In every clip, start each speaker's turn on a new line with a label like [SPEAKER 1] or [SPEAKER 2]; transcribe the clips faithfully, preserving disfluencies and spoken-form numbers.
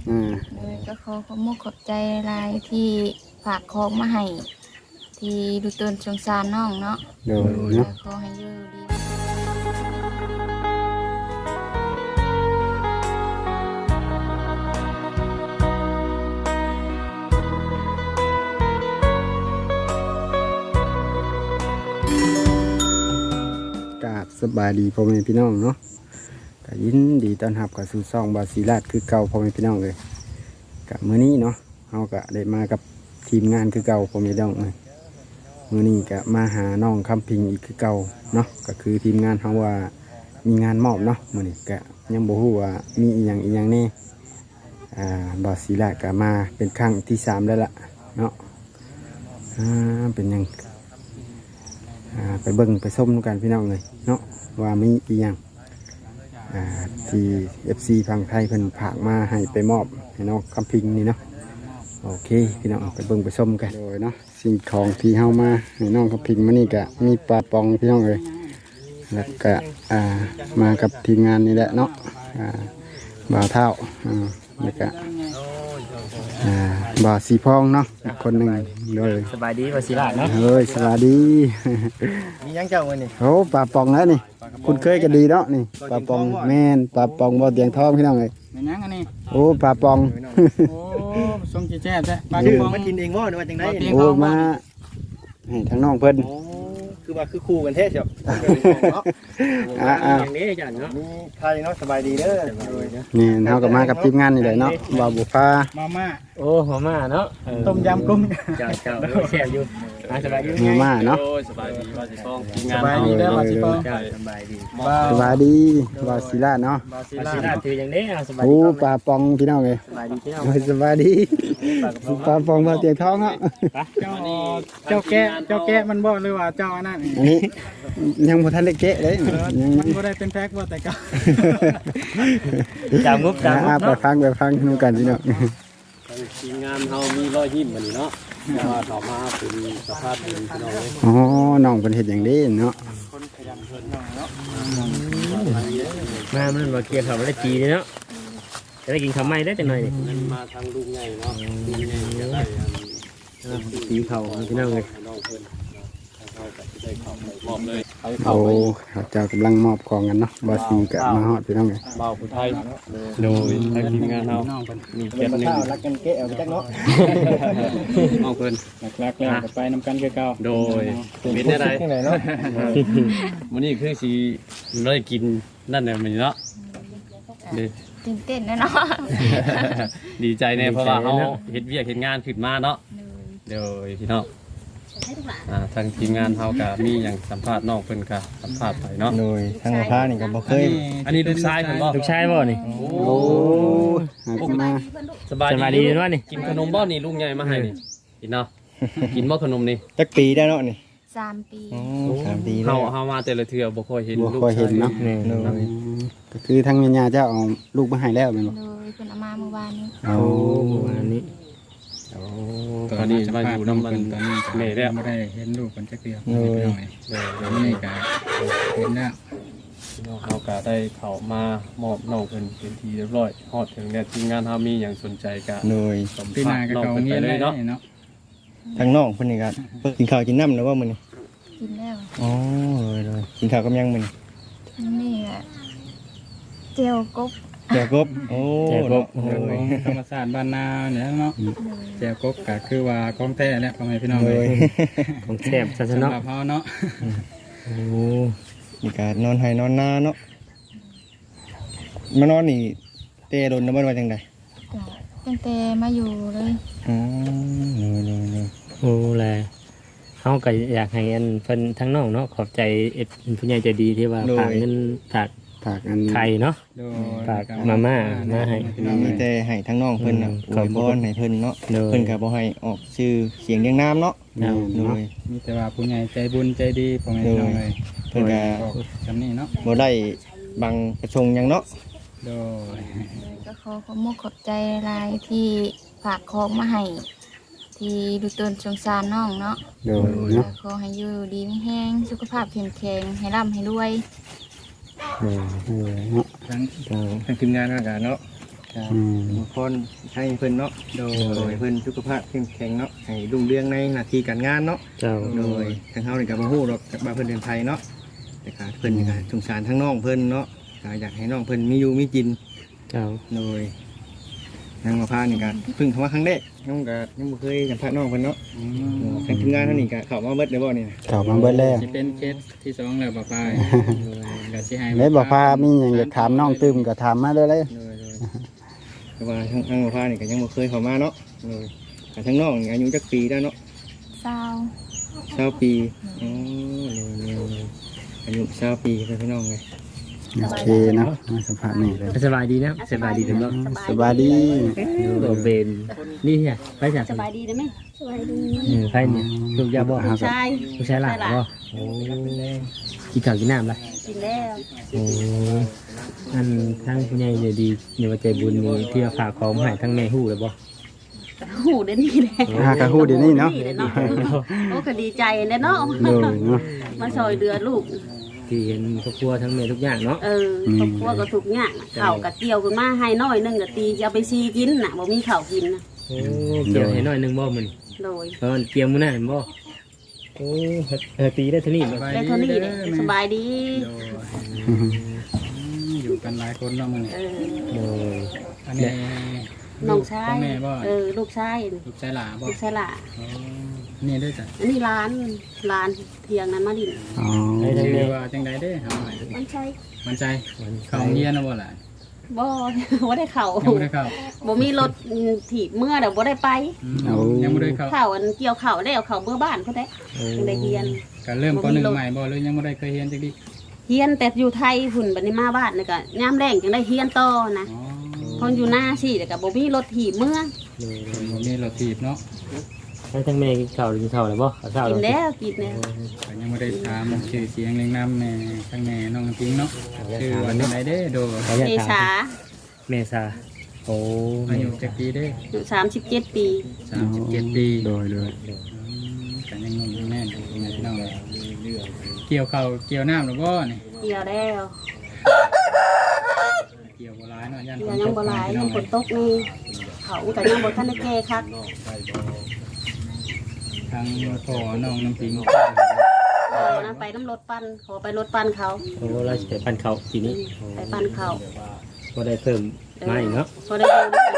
[SPEAKER 1] อ่า
[SPEAKER 2] เลยก็ขอขอบมุกขอบใจหลายที่ฝากของมาให้ที่ดูตนสงสารน้องเนาะ
[SPEAKER 1] โดยเนาะ
[SPEAKER 2] ขอให้อยู่ดี
[SPEAKER 1] กราบสบายดีพ่อแม่พี่น้องเนาะก็ยินดีต้อนรับกับสู่ช่องบาศิราชคือเก่าพ่อแม่พี่น้องเลยกับมื้อนี้เนาะเฮาก็ได้มากับทีมงานคือเก่าพ่อแม่พี่น้องเลยมื้อนี้ก็มาหาน้องคำพิงอีกคือเก่าเนาะก็คือทีมงานเฮาว่ามีงานมอบเนาะมื้อนี้ก็ยังบ่ฮู้ว่ามีอีหยังอีหยังแน่อ่าบาศิราชก็มาเป็นครั้งที่สามแล้วล่ะเนาะอ่าเป็นหยังอ่าไปเบิ่งไปส้มกันพี่น้องเลยเนาะว่ามีอีหยังอ่าที่ เอฟ ซี ฝั่งไทยเพิ่นฝากมาให้ไปมอบให้น้องคำพิงนี่เนาะโอเคพี่น้องไปเบิ่งไปส้มกันโดยเนาะสิ่งของที่เฮามาให้น้องคำพิงมานี่ก็มีปลาปองพี่น้องเลยแล้วก็อ่ามากับทีมงานนี่แหละเนาะอ่าบ่าวเท่าอ่าแล้วก็อ่าบ่าวสีพองเนาะอีกคนหนึ่งเลย
[SPEAKER 3] สบายดีว่าศิลาเนาะ
[SPEAKER 1] เฮ้ยสวัสดี
[SPEAKER 3] มียังเจ้าวันนี้
[SPEAKER 1] โอ้ปลาปองแล้วนี่คุณเคยกันดีเนาะนี่ปลาปองแม่นปลาปองบ่เตียงทองพี่น้องเลย
[SPEAKER 4] แม่นยังอันนี้
[SPEAKER 1] โอ้ปลาปอง
[SPEAKER 4] โอ้ทรงจีแจ๊บจ้ะปลา
[SPEAKER 3] ชื่
[SPEAKER 4] ก
[SPEAKER 3] อ
[SPEAKER 4] ระป๋อง
[SPEAKER 3] มากินเองว่าหรือว่าจังได
[SPEAKER 1] โอ้มาให้ทั้งน้องเพิ่น
[SPEAKER 3] โอ้คือว่าคือคู่กันแท้เชียวเนาะ
[SPEAKER 1] อ่าอ่า
[SPEAKER 3] อย่างนี้จันเนาะมีใครเนาะสบายดีเด้อ
[SPEAKER 1] นี่เฮาก็มากับทีมงานนี่แหละเนาะบ่าวบุฟ้า
[SPEAKER 4] มาม่า
[SPEAKER 3] โอ้หัวมาเนาะ
[SPEAKER 4] ต้มยำกุ้ง
[SPEAKER 3] เจ้าเจ้าแซ่บอยู่สบายดี
[SPEAKER 1] เนื้อมาเนาะ
[SPEAKER 5] สบายดีว่าสิต้อง
[SPEAKER 4] สบายดีแล้วมาสิปอง
[SPEAKER 3] เจ้าสบายดี
[SPEAKER 4] บ้า
[SPEAKER 1] สวัสดีบ่าวศิลาเนาะ
[SPEAKER 4] บาซิ
[SPEAKER 3] ว่า
[SPEAKER 4] ล่า
[SPEAKER 3] ศิลาถืออย่างนี้สบาย
[SPEAKER 1] โอ้
[SPEAKER 3] ดี
[SPEAKER 1] ปลาปองพี่น้องเลย
[SPEAKER 3] สบายดีพี่น้อง
[SPEAKER 1] โอ้ยสวัสดีปลาปองบ่เตียงทองเนาะ
[SPEAKER 4] เจ้าเจ้าแกะเจ้าแกะมันบ่หรือว่าเจ้าอันนั้น
[SPEAKER 1] อันนี้ยังบ่ทันได้เกะเลยยัง
[SPEAKER 4] มันบ่ได้เป็นแพ็คบ่แต่ก็
[SPEAKER 3] จามงุบจามงุ
[SPEAKER 1] อ่า
[SPEAKER 3] บ
[SPEAKER 1] ไป
[SPEAKER 3] เนาะ
[SPEAKER 1] ฟังไปฟังนูกันพี่น้อง
[SPEAKER 5] ทีมงานเฮามีรอยยิ้มบัดนี้เนาะแต่ว่าต่อมาเป็นสภาพเป็นพี่น้องเลย
[SPEAKER 1] อ๋อน้องเป็นเห็ดอย่างนี้เนาะ
[SPEAKER 3] มามันมาเกี่ยวกับอะไรจีเนาะจะได้กินข้าวไหม้ได้จังหน่อยนี่
[SPEAKER 5] มันมาทางลุงใหญ่เนาะลุงใหญ่จะได้อัน
[SPEAKER 3] ตีเข่าพี่น้องเลย
[SPEAKER 5] ให้น้องเพิ่นเฮาก็สิได้เข้าไปมอบเลยเอา
[SPEAKER 1] โอ้
[SPEAKER 5] เข้าไป
[SPEAKER 1] เขาเจ้ากำลังมอบของกันเนาะบอสีกับมาฮอดพี่น้องเลย
[SPEAKER 5] เบาผู้ไทยโดยทางทีมงานเฮามีเกียรติหนึง
[SPEAKER 3] รักกันเกะเอาไปจักเนาะ
[SPEAKER 5] น้องเพิ่น
[SPEAKER 4] หลักๆแล้วก็ไปนำกันคือเก่า
[SPEAKER 5] โดยเป็นได้ได
[SPEAKER 3] จังไดเนาะ
[SPEAKER 5] มื้อนี้คือสิได้กินนั่นแหละมื้อนี้เนาะเด้อ
[SPEAKER 2] ตื่นเต้นแน่เนาะ
[SPEAKER 5] ดีใจแน่เพราะว่าเฮาเฮ็ดเวียกเฮ็ดงานขึ้นมาเนาะเดี๋ยวพี่น้องอ่าทางทีมงานเฮาก็มีหยังสัมภาษณ์น้องเพิ่นก็สัมภาษณ์ไปเนาะ
[SPEAKER 3] โดยทางมะพร้าวนี่ก็บ่เคย
[SPEAKER 5] อันนี้ลูกชายเพิ่นบ่
[SPEAKER 3] ลูกชายบ่นี่
[SPEAKER 5] โอ้
[SPEAKER 1] โอ้หาขึ้นมา
[SPEAKER 5] สบาย
[SPEAKER 3] สบายดีเนาะนี่
[SPEAKER 5] กินขนมบ่นี่ลุงใหญ่มาให้นี่กินเนาะกินบ่ขนมนี่
[SPEAKER 3] จักปีได้เนาะนี่
[SPEAKER 2] สามปี
[SPEAKER 3] อ๋อสามปี
[SPEAKER 5] เฮา
[SPEAKER 3] แล้ว
[SPEAKER 5] เฮามาแต่ละเทื่อบ่ค่อยเห็น
[SPEAKER 1] บัว
[SPEAKER 5] ลูก
[SPEAKER 1] คอยเห็นเนาะ
[SPEAKER 3] นี่โดย
[SPEAKER 1] ก็คือทั้งแม่ย่าเจ้าเอาลูกมาให้แล้วแม่นบ่
[SPEAKER 2] โดยเพิ่นเอามาเมื่อวานนี้
[SPEAKER 1] โอ้
[SPEAKER 3] ประมาณนี้
[SPEAKER 5] โอ้ตอนนี้มาอยู่นำมัน
[SPEAKER 4] ตอนนี้
[SPEAKER 5] แม่แล้ว
[SPEAKER 4] ไม่ได้เห็นลูกคนจักเดียว
[SPEAKER 3] โอ้ย
[SPEAKER 4] เดี๋ยวนี้ก็เห็นแล้ว
[SPEAKER 5] น้องเฮาก็ได้เข้ามามอบน้องเพิ่นเป็นที่เรียบร้อยฮอดถึงแล้วทีมงานเฮามีหยังสนใจก็
[SPEAKER 3] โดย
[SPEAKER 5] สัม
[SPEAKER 4] พี่
[SPEAKER 5] ภา
[SPEAKER 4] นา
[SPEAKER 5] ษณ์
[SPEAKER 4] ก็
[SPEAKER 5] น้อง
[SPEAKER 4] เก่า
[SPEAKER 5] เพิ่น
[SPEAKER 4] เงี
[SPEAKER 5] ไป
[SPEAKER 4] ยบ
[SPEAKER 5] เลย
[SPEAKER 4] เนาะ
[SPEAKER 5] เนาะ
[SPEAKER 3] ทางน้องเพิ่นนี่ก็เพิ่นกินข้าวกินน้ำแล้วว่ามื้อนี้
[SPEAKER 2] กินแล้ว
[SPEAKER 3] อ๋อเลยเลยกินข้าวกับยังมื้อนี้
[SPEAKER 2] นี่แหละเจลกบ
[SPEAKER 3] แจวกบโอ้
[SPEAKER 4] แจวกบ
[SPEAKER 3] โดย
[SPEAKER 4] ธรรมศาสตร์บ้านนาเนี่ยเนาะ
[SPEAKER 2] โดย
[SPEAKER 4] แจวกบก็คือว่าของแท้แล้วพ่อแม่พี่น้อง
[SPEAKER 3] โด
[SPEAKER 4] เลย ย
[SPEAKER 3] ของแซ่บซะซะ
[SPEAKER 4] สำห
[SPEAKER 3] เนาะ
[SPEAKER 4] รับเฮาเนาะ
[SPEAKER 3] โอ้นี่ก็นอนให้นอนนาเนาะมานอนนี่เตะโดนน้ำมันว่าจังได๋
[SPEAKER 2] ก็ตั้งแต่มาอยู่เลย
[SPEAKER 3] อ๋อเลยเลยเลย
[SPEAKER 6] โอ้แลเฮาก็อยากให้อันเพิ่นทั้งน้องเนาะขอบใจเอ็ดผู้ใหญ่ใจดีที่ว่าฝากเงินฝาก
[SPEAKER 1] ฝากอัน
[SPEAKER 6] ไข่เนาะ
[SPEAKER 4] โดย
[SPEAKER 6] ฝากมาม่ามาให้
[SPEAKER 3] มีแต่ให้ทั้งน้องเพิ่นน่ะ
[SPEAKER 6] อืม
[SPEAKER 3] อวยพรให้เพิ่นเนาะ
[SPEAKER 6] โดย
[SPEAKER 3] เพิ่นก็บ่ให้ออกชื่อเสียงเรียงนามเนาะ
[SPEAKER 1] แม่น
[SPEAKER 3] โด
[SPEAKER 1] เนาะ
[SPEAKER 3] ย
[SPEAKER 4] มีแต่ว่าผู้ใหญ่ใจบุญใจดีพ่อแม่พี่น้องเลย
[SPEAKER 3] เพิ่นก็
[SPEAKER 4] บอกจำนี่เนาะ
[SPEAKER 3] บ่ได้บังประชงหยังเนาะ
[SPEAKER 4] โดย
[SPEAKER 2] เลยก็ขอขอบมุกขอบใจหลายที่ฝากของมาให้ที่ดูตนสงสารน้องเนาะ
[SPEAKER 1] โดยเนาะ
[SPEAKER 2] ขอให้อยู่ดีไม่แห้งสุขภาพเข้มแข็งให้ร่ำให้รวย
[SPEAKER 1] โดยโดยเนาะ
[SPEAKER 4] ทั้ง
[SPEAKER 3] ทางทางทีมงานทางการเนาะ
[SPEAKER 1] อืม
[SPEAKER 3] พรให้เพิ่นเนาะโดยเพิ่นสุขภาพเข้มแข็งเนาะให้รุ่งเรืองในหน้าที่การงานเนาะ
[SPEAKER 6] เจ้า
[SPEAKER 3] โดยทางเฮานี่ก็บ่ฮู้หรอกว่าเพิ่นเป็นไผเนาะแต่ก็เพิ่นนี่ก็สงสารทั้งน้องเพิ่นเนาะก็อยากให้น้องเพิ่นมีอยู่มีกิน
[SPEAKER 6] เจ้า
[SPEAKER 3] โดยนางมาพานี่ก็เพิ่งเข้ามาครั้งแรกน้องก็ยังบ่เคยสัมภาษณ์น้องเพิ่นเนาะทางทีมงานเฮานี่ก็เข้ามาเบิดได้บ่นี่นะ
[SPEAKER 1] เข้ามาเบิดแล้ว
[SPEAKER 4] สิเป็นเคสที่สองแล้วบ่ปายก็สิให้
[SPEAKER 1] แล้วบ่พามีหยังอยากถามน้องตื้มก็ถามมาเด้อเลย
[SPEAKER 3] โดยโดยเพราะว่าทางทางมาพานี่ก็ยังบ่เคยเข้ามาเนาะโดยแต่ทางน้องนี่อายุจักปีแล้วเนาะ
[SPEAKER 2] เศร้า
[SPEAKER 3] เก้าปีอ๋อโดยโดยโดยอายุเก้าปีเพิ่นพี่น้องเลย
[SPEAKER 1] โอเคเนาะมาสัมภาษณ์นี่เลย
[SPEAKER 6] สบายดีนะสบายดีถึงบ่
[SPEAKER 1] สบายดี
[SPEAKER 6] โดเบนนี่เนี่ยไปจาก
[SPEAKER 7] สบายดีได้ไหมสบายดี
[SPEAKER 6] เออไปเนี่ยลูกยาบ่
[SPEAKER 7] ใช่
[SPEAKER 6] ลูกชายหลานบ่โอ้กินข้าวกินน้ำละ
[SPEAKER 7] กินแล้ว
[SPEAKER 6] โอ้อันทั้งผู้ใหญ่ใจดีในว่าใจบุญนี่ที่ว่าฝากของมาให้ทั้งแม่ฮู้เลยบ่
[SPEAKER 7] หูเด่นนี่แหละ
[SPEAKER 1] หากะฮู้เดี๋ยวนี้เนาะ
[SPEAKER 7] นี่แหละเนาะโอ้ก็ดีใจเลยเนาะ
[SPEAKER 1] เลยเนาะ
[SPEAKER 7] มาซอยเดือลูก
[SPEAKER 6] ที่เห็นครอบครัวทั้งแม่ทุกอย่างเนาะ
[SPEAKER 7] เออครอบครัวก็ทุกอย่างข้าวกะเกี่ยวขึ้นมาให้น้อยหนึงก็ตีจะเอาไปซีกินน่ะบ่มีข้าวกินนะ
[SPEAKER 6] โอ้เกี่ยวให้หน่อยหนึงบ่มื้อนี้
[SPEAKER 7] โดย
[SPEAKER 6] เพราะมันเกี่ยวมื้อนั้นบ่โอ้เออตีได้เท่านี้บ่
[SPEAKER 7] ได้เท่านี้เลยสบายดี
[SPEAKER 4] อยู่กันหลายคนเนาะมื้อนี้
[SPEAKER 7] เออ
[SPEAKER 6] โอ้ย
[SPEAKER 4] อันนี้
[SPEAKER 7] น้องชา
[SPEAKER 4] ขอย แม่บ่
[SPEAKER 7] เออลูกชาย
[SPEAKER 4] ลูกชายหลาบ่
[SPEAKER 7] ลูกชายหล่ะ
[SPEAKER 4] อ๋อนี่ด้วยจ้ะ
[SPEAKER 7] อันนี้ร้านร้านเทียงนั้นมาดิน
[SPEAKER 1] อ๋อ
[SPEAKER 6] ให้ทั้ง
[SPEAKER 4] ชื่
[SPEAKER 6] แม่
[SPEAKER 4] อว่าจังไดเด้เฮาให้
[SPEAKER 7] มันใช่
[SPEAKER 4] มันใจเข้าโรงเรียนแล้วบ่ล่ะ
[SPEAKER 7] บ่ บ่ได้เข้า
[SPEAKER 4] ยังบ่ได้เข้า
[SPEAKER 7] บ่มีรถถีบเมื่อเดี๋ยวบ่ได้ไป
[SPEAKER 4] อืมยังบ่ได้เข้า
[SPEAKER 7] ข้าวอันเกี่ยวข้าวแล้วข้าวเมื่อบ้านเขาได้จังได้เฮียน
[SPEAKER 4] ก็เริ่มปหนึ่งใหม่บ่หรือยังบ่ได้เคยเรียนจักดิ
[SPEAKER 7] เฮียนแต่อยู่ไทยหุ่นบัดนี้มาบ้านนี่ก็ยามแรงจังได้เฮียนต่อนะ
[SPEAKER 4] อ๋อ
[SPEAKER 7] พออยู่หน้าสิแล้วก็บ่มีรถถีบเมื่อ
[SPEAKER 4] บ่มีรถถีบเนาะ
[SPEAKER 6] ให้ทั้งแม่กินข้าวกินข้าวแล้วบ่ข้าวเช้า
[SPEAKER 7] กิน
[SPEAKER 6] แล้ว
[SPEAKER 7] แล้วกินแล้ว
[SPEAKER 4] ก็ยังบ่ได้ถามชื่อเสียงเรียงนามแม่ทั้งแม่น้องน้ำพิงเนาะชื่อว่าจังไดเด้โด
[SPEAKER 6] ขออนุญาต
[SPEAKER 7] เม
[SPEAKER 6] ถาม
[SPEAKER 7] ษา
[SPEAKER 6] เมษาโอ้
[SPEAKER 4] อายุจักปีเด้
[SPEAKER 7] อยู่สามสิบเจ็ดปี
[SPEAKER 4] สามสิบเจ็ดปี
[SPEAKER 1] โดยโดย
[SPEAKER 4] กันยังงงอยู่แม่นอยู่แม่พี่น้องเลยเกี่ยวข้าวเกี่ยวน้ำหรือบ่นี่
[SPEAKER 7] เกี่ยวแล้ว
[SPEAKER 4] เกี่ยวบ่ร้ายเนาะยัน
[SPEAKER 7] เกี่ยวยังบ่หลายยังฝนตกนี่เขาก็ยังบ่ทันได้แก่คัก
[SPEAKER 4] ทางพ่อน้องน้ำพิง
[SPEAKER 7] เออนะไปน้ำรถปั่นขอไปรถปั่นเขา
[SPEAKER 6] โอ้เราจะไปปั่นข้าวทีนี้
[SPEAKER 7] ไปปั่นเขา
[SPEAKER 6] ก็ได้เพิ่มมาอีกเนาะ
[SPEAKER 7] พอได้อยู่ได้กิน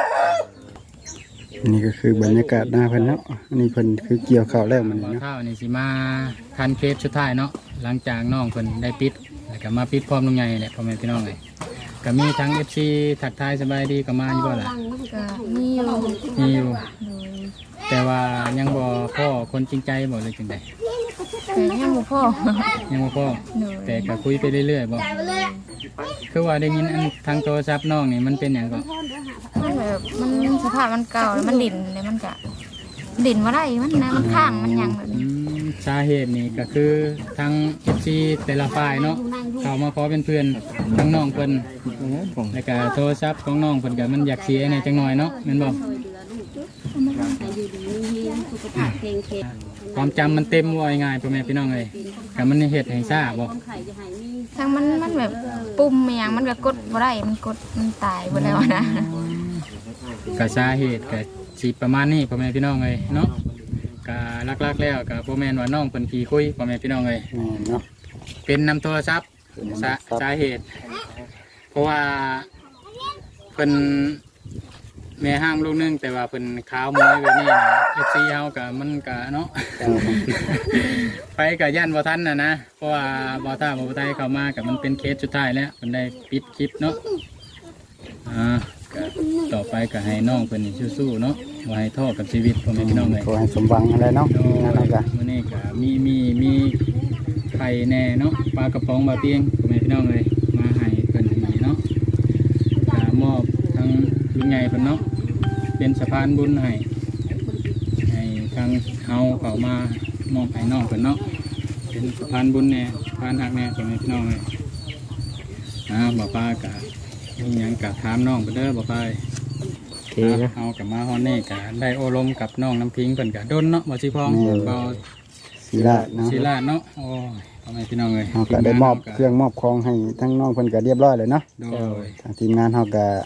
[SPEAKER 1] อันนี้ก็คือบรรยากาศหน้าเพิ่นเนาะอันนี้เพิ่นคือเกี่ยวข้าวแล้วมัน
[SPEAKER 4] บ่
[SPEAKER 1] เนาะ
[SPEAKER 4] เท่านี่สิมาคันเคสสุดท้ายเนาะหลังจากน้องเพิ่นได้ปิดแล้วก็มาปิดพร้อมลุงใหญ่แหละพ่อแม่พี่น้องเลยก็มีทั้ง เอฟ ซี ทักทายสบายดีก็มาอยู่บ่ล่ะ
[SPEAKER 2] ก็มีอยู่
[SPEAKER 4] มีอยู่
[SPEAKER 2] โดย
[SPEAKER 4] แต่ว่ายังบ่พ่อคนจริงใจบ่เลยจังได๋
[SPEAKER 2] แต่ยังบ่พอ
[SPEAKER 4] ยังบ่พ่อ
[SPEAKER 2] โดย
[SPEAKER 4] แต่ก็คุยไปเรื่อยๆบ่คือว่าได้ยินอันทางโทรศัพท์น้องนี่มันเป็นหยังก็
[SPEAKER 2] มันแบบมันสภาพมันเก่าแล้วมันดิ่นเลยมันก็ดิ่นบ่ได้มันนะมันข้างมันหยังแบบ
[SPEAKER 4] อื
[SPEAKER 2] นี้
[SPEAKER 4] มสาเหตุนี่ก็คือทาง เอฟ ซี แต่ละฝ่ายเนาะเข้ามาขอเป็นเพื่อนทางน้องเพิ่นแล้วก็โทรศัพท์ของน้องเพิ่นก็มันอยากเสียในจังหน่อยเนาะแม่นบ่
[SPEAKER 7] ช่วยเหลือลูกให้อยู่ดีมีเฮียนสุขภาพแข็งแรง
[SPEAKER 4] ความจำมันเต็มว่าง่ายๆพ่อแม่พี่น้องเอ้ยก็มันเฮ็ดให้ซ่าบ่
[SPEAKER 7] คนไข้จะให้มี
[SPEAKER 2] ทั้งมันมันแบบปุ่มอหย่างมันก็กดบ่ได้มันกดมันตายบ่แล้วนะ
[SPEAKER 4] ก็สาเหตุก็สิประมาณนี้พ่อแม่พี่น้องเอ้ยเนาะก็หลักๆแล้วก็บ่แม่นว่าน้องเพิ่นขี้คุยพ่อแม่พี่น้องเอ้ย
[SPEAKER 1] แม่นเนาะ
[SPEAKER 4] เป็นนำโทรศัพท์สาสาเหตุ เพราะว่าเพิ่นแม่ห้างลูกนึงแต่ว่าเพิ่นขาวมวยแบบนี้นะเอฟซีเฮากับมันกะเนาะ ไปกับย่านบ่ทันน่ะนะเพราะว่าบ่ท่าบ่ไทยเข้ามากับมันเป็นเคสสุดท้ายแล้วเพิ่นได้ปิดคลิปเนาะอ่าก็ต่อไปก็ให้น้องเพิ่นนี่สู้ๆเนาะบ่ให้ท้อกับชีวิตพ่อแม่พี่น้องเลย
[SPEAKER 1] ขอให้สมหวังอะไรเนาะ
[SPEAKER 4] โดย
[SPEAKER 1] นั่นเนาะก็
[SPEAKER 4] มื้อนี้ก็มีมีมีไข่แน่เนาะปลากระป๋องบาเปียงพ่อแม่พี่น้องเลยมาให้เพิ่นให้เนาะก็มอบทั้งลุงใหญ่เพิ่นเนาะเป็นสะพานบุญให้ให้ทางเฮาเข้ามามอบให้น้องเพิ่นเนาะเป็นสะพานบุญแน่สะพานหักแน่พ่อแม่พี่น้องเลยอ่าบ่ป้ากะมีหยังกะถามน้องเพิ่นเด้อบ่ป้า
[SPEAKER 6] โอเคนะ
[SPEAKER 4] เอากับมาฮอนนี่กะได้โอลมกับน้องน้ำพิงเพิ่นกะดนเนาะบ่สิพองเบา
[SPEAKER 1] ศิลาเนาะ
[SPEAKER 4] ศิลาเนาะโอ้ยพ่อแม่พี่น้องเอ้ย
[SPEAKER 1] เฮาก็ได้มอบเครื่องมอบของให้ทั้งน้องเพิ่นก็เรียบร้อยเลยเนาะ
[SPEAKER 4] โดย
[SPEAKER 1] ทางทีมงานเฮาก็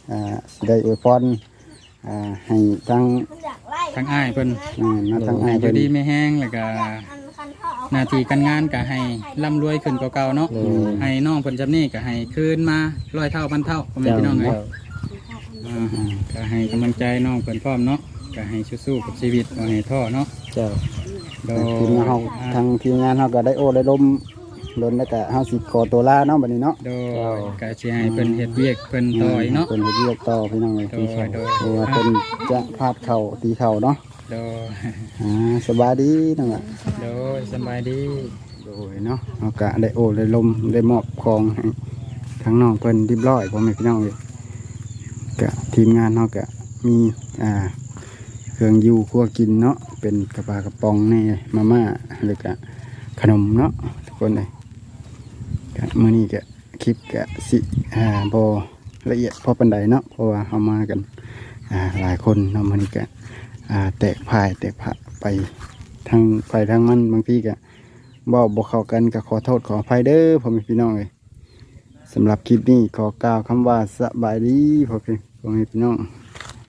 [SPEAKER 1] อ่าสิได้อวยพรอ่าให้ทั้ง
[SPEAKER 4] ทางอ้ายเพิ่น
[SPEAKER 1] อ่ามาทั้ง
[SPEAKER 4] ให้
[SPEAKER 1] อ้าย
[SPEAKER 4] อ
[SPEAKER 1] เพิ่
[SPEAKER 4] ยู่
[SPEAKER 1] น
[SPEAKER 4] ดีไม่แห้งแล้วก็หน้าที่การงานก็ให้ร่ำรวยขึ้นกว่าเก่าเนาะให้น้องเพิ่นจำนี้ก็ให้คืนมาร้อยเท่าพันเท่าพ่อแม่พี่น้องเอ้ยอ่าก็ให้กำลังใจน้องเพิ่นพร้อมเนาะก็ให้สู้ๆกับชีวิตบ่ให้ท้อเนาะ
[SPEAKER 6] เจ้า
[SPEAKER 4] โด
[SPEAKER 1] ทีมงานเฮาทางทีมงานเฮาก็ได้โอ้ได้ลมล้นแล้วก็เฮาสิขอตัวลาเนาะบัดนี้เนาะ
[SPEAKER 4] โดยก็สิให้เพิ่นเฮ็ดเวียกเพิ่นต่ออีกเนาะ
[SPEAKER 1] เพิ่นเฮ็ดเวียกต่อพี่น้องเอ้ย
[SPEAKER 4] โดยโดย
[SPEAKER 1] เพราะว่าเพิ่นจะพาดเข่าตีเข่าเนาะ
[SPEAKER 4] โดย
[SPEAKER 1] อ่าสบายดีนั่นล่ะ
[SPEAKER 4] โดยสบายดี
[SPEAKER 1] โดยเนาะเฮาก็ได้โอ้ได้ลมได้มอบของให้ทั้งน้องเพิ่นเรียบร้อยพ่อแม่พี่น้องเอ้ยก็ทีมงานเฮาก็มีอ่าเครื่องอยู่ครัวกินเนาะเป็นกระปากระป๋องแน่มาม่าแล้วก็ขนมเนาะทุกคนเลยก็มื้อนี้ก็คลิปก็สิอ่าบ่ละเอียดพอปานใดเนาะเพราะว่าเฮามากันอ่าหลายคนเนาะมื้อนี้ก็อ่าแตกพายแตกพะไปทางไปทางมันบางทีก็บ่บ่เข้ากันก็ขอโทษขออภัยเด้อพ่อแม่พี่น้องเอ้ยสำหรับคลิปนี้ขอกล่าวคำว่าสบายดีพ่อพี่พ่อแม่พี่น้อง